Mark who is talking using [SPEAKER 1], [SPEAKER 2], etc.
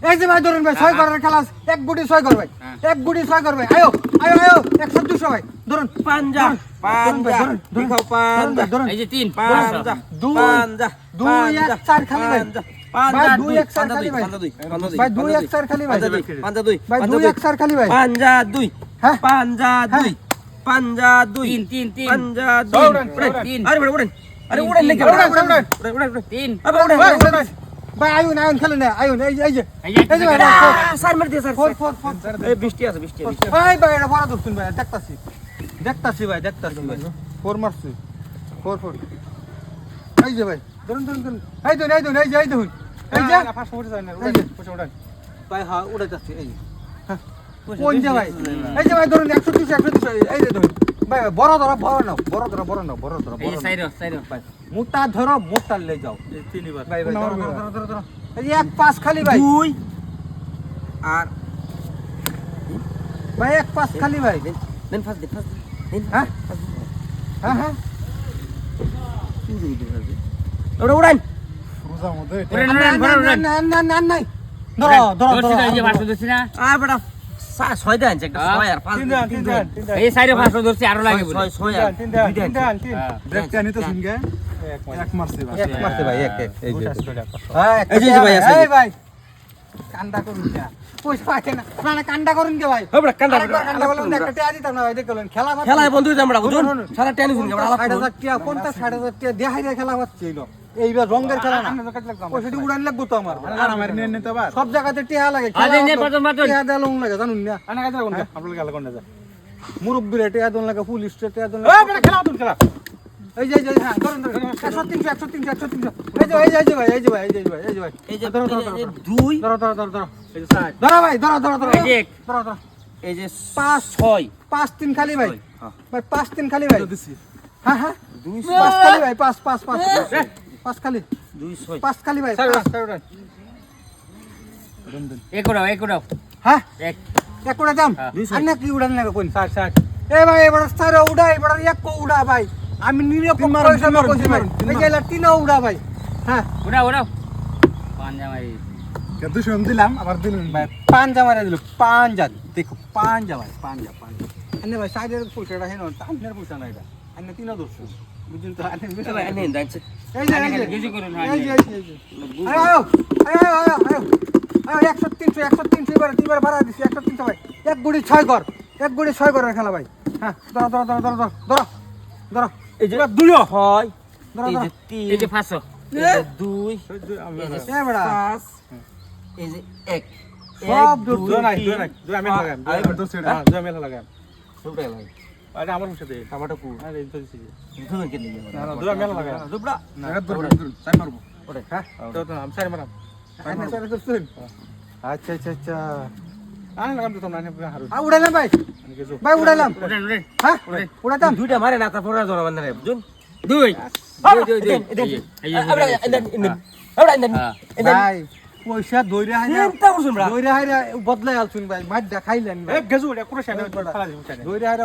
[SPEAKER 1] এই যে ভাই ধরুন ভাই 6 করার খেলা আছে। এক গুটি 6 কর ভাই, এক গুটি 6 কর ভাই। আয়ো আয়ো আয়ো 100 200 ভাই ধরুন।
[SPEAKER 2] পাঞ্জা দেখাও পাঞ্জা
[SPEAKER 1] এই
[SPEAKER 3] যে 3
[SPEAKER 2] পাঞ্জা 2
[SPEAKER 1] 2 1 4 খালি ভাই,
[SPEAKER 2] পাঞ্জা
[SPEAKER 1] 2 1 4 খালি ভাই, ভাই 2 1 4 খালি ভাই,
[SPEAKER 2] পাঞ্জা 2
[SPEAKER 1] ভাই 2 1 4 খালি ভাই,
[SPEAKER 2] পাঞ্জা 2
[SPEAKER 1] হ্যাঁ
[SPEAKER 2] পাঞ্জা 2 পাঞ্জা 2
[SPEAKER 3] 3
[SPEAKER 2] পাঞ্জা 2 আরে উড়েন আরে উড়েন নাকি উড়েন
[SPEAKER 3] 3
[SPEAKER 2] আরে উড়েন
[SPEAKER 1] ভাই আয়ুন আয়ুন খেলে না আয়ুন। এই যে
[SPEAKER 3] এই যে
[SPEAKER 1] ভাই
[SPEAKER 2] স্যার মার দিয়ে স্যার
[SPEAKER 1] 4 4 4
[SPEAKER 2] এই বৃষ্টি আছে
[SPEAKER 1] ভাই ভাই এটা বড় দোস্তুন ভাই দেখতাছি ভাই দেখতাছি ভাই 4 মারছি 4 4 এই যে ভাই ধরুন এই ধরুন এই যে এই যে ফার্স্ট উঠে যায় না উড়ে ভাই হ্যাঁ উড়ে যাচ্ছে এই যে কোন যে ভাই এই যে ভাই ধরুন 130 এই যে ধরুন ভাই বড় ধরো
[SPEAKER 3] এই সাইরো
[SPEAKER 1] ভাই মোটা ধরো মোটা লে যাও এই তিনবার ভাই ধরো এই যে 1 5 খালি ভাই
[SPEAKER 2] 2 আর
[SPEAKER 1] ভাই 1 5 খালি ভাই
[SPEAKER 2] দেন ফাস্ট দেন
[SPEAKER 1] হ্যাঁ হ্যাঁ
[SPEAKER 2] উড়ান
[SPEAKER 1] রোজার মধ্যে
[SPEAKER 3] নাই
[SPEAKER 1] ধরো
[SPEAKER 3] এই যে 500 ধরছি না
[SPEAKER 2] আর বেটা 6 দেন একটা 6 আর 5 দেন
[SPEAKER 3] এই সাইরো 500 ধরছি আরো লাগে বলে
[SPEAKER 2] 6 আর
[SPEAKER 1] 3 দেখতে আনি তো শুনগে এক মারছে ভাই এক এই যে হ্যাঁ
[SPEAKER 2] এই যে ভাই আছে
[SPEAKER 1] এই ভাই কান্দা করুন না পয়সা পাইছে না না কান্দা করুন কে ভাই
[SPEAKER 2] ও বেটা কান্দা
[SPEAKER 1] কান্দা বলেন একটা টিয়া দিতাম না ভাই দেখলেন খেলা
[SPEAKER 2] খেলায় বন্ধু আমরা বুঝুন সারা টেনিস শুনকে আমরা
[SPEAKER 1] 60,000 টিয়া কোনটা 60,000 টিয়া দেখাই রে খেলা হচ্ছে এলো এইবার রঙের খেলা না পয়সাটি উড়ান লাগবো তো আমার
[SPEAKER 4] আমার নিয়ে নিতে পার
[SPEAKER 1] সব জায়গাতে টিয়া লাগে
[SPEAKER 3] আরে নে বাটন
[SPEAKER 1] টিয়া দেওয়া লং লাগে জানুন না
[SPEAKER 4] আনা কাজে কোন আপনার গেল কোন যা
[SPEAKER 1] মুরব্বিরে টিয়া দন লাগে পুলিশ টিয়া দন
[SPEAKER 4] ও বেটা খেলা তুমি খেলা
[SPEAKER 1] এই যে হ্যাঁ ধরুন 100 300 এই যে ভাই এই যে ভাই
[SPEAKER 2] এই যে
[SPEAKER 1] ধরো
[SPEAKER 2] 2
[SPEAKER 1] এই যে সাইড ধরো ভাই ধরো
[SPEAKER 3] এই যে
[SPEAKER 1] ধরো
[SPEAKER 2] এই যে
[SPEAKER 1] 5
[SPEAKER 2] 6
[SPEAKER 1] 5 3 খালি ভাই ভাই 5 3 খালি ভাই
[SPEAKER 4] দিছি
[SPEAKER 1] হ্যাঁ
[SPEAKER 2] 2
[SPEAKER 1] 5 খালি ভাই 5 খালি
[SPEAKER 2] 2 6
[SPEAKER 1] 5 খালি ভাই
[SPEAKER 3] এক উড়াও
[SPEAKER 1] হ্যাঁ
[SPEAKER 3] এক
[SPEAKER 1] এক উড়া দাম আর না কি উড়ান লাগে কোন 60 এ ভাই এবার স্যার উড়া এবার এক কো উড়া ভাই আমি নিরপেক্ষ হিসাবে কইছি ভাই এই যে তিন উড়া ভাই হ্যাঁ
[SPEAKER 3] উড়াও পাঞ্জা মারি
[SPEAKER 4] কত শুন দিলাম আবার দিলেন
[SPEAKER 1] ভাই পাঞ্জা মারা দিল পাঞ্জা দেখো পাঞ্জা ভাই পাঞ্জা আনে ভাই সাইডের পয়সাটা হেন তানের পয়সা না এটা আনে তিন দর্শন বুঝুন তো আনে
[SPEAKER 2] ভাই আনেন দাঁড়ছে
[SPEAKER 1] এই যে
[SPEAKER 3] গেজি করুন
[SPEAKER 1] এই যে আয়ো 100 300 এবার তিনবার ভাড়া দিছি 100 300 ভাই এক গুড়ি 6 কর এক গুড়ি 6 করার খেলা ভাই হ্যাঁ ধরো
[SPEAKER 2] এই যে 2 হয় এই যে 3
[SPEAKER 3] এই যে 500
[SPEAKER 2] এই যে 2 এই যে
[SPEAKER 1] এ বড়া
[SPEAKER 2] 5 এই যে 1
[SPEAKER 1] সব দূর
[SPEAKER 4] নাই আমি লাগাম তো সেটা আমি লাগাম
[SPEAKER 2] দুটো লাগে
[SPEAKER 4] আরে আমার মুখে দে
[SPEAKER 2] টমেটো কু
[SPEAKER 4] আরে এই তো দিছি
[SPEAKER 2] দুটো কে নিয়ে
[SPEAKER 4] না আমি লাগাম
[SPEAKER 2] দুবড়া
[SPEAKER 4] না তাই মারবো
[SPEAKER 2] ওরে
[SPEAKER 1] হ্যাঁ
[SPEAKER 4] তো আমি সারি মারাম
[SPEAKER 1] আনে সারা দর্শন আচ্ছা
[SPEAKER 4] আরে লাগাম তো না হারু
[SPEAKER 1] উড়াইলাম ভাই
[SPEAKER 4] আমি কিছু
[SPEAKER 1] ভাই উড়াইলাম
[SPEAKER 3] উড়েন
[SPEAKER 1] হ্যাঁ উড়াইতাম
[SPEAKER 2] দুইটা মারে না তারপর জোড়া বান্ধা রে বুঝুন
[SPEAKER 3] দুই
[SPEAKER 1] ভাই পয়সা দইরা হাইরা
[SPEAKER 2] চিন্তা করছুন
[SPEAKER 1] দইরা হাইরা বদলাই আলছুন ভাই মাছ দেখাইলেন ভাই
[SPEAKER 4] এ গেজু এটা কোন সাইডে খেলা দিমু
[SPEAKER 1] দইরা হাইরা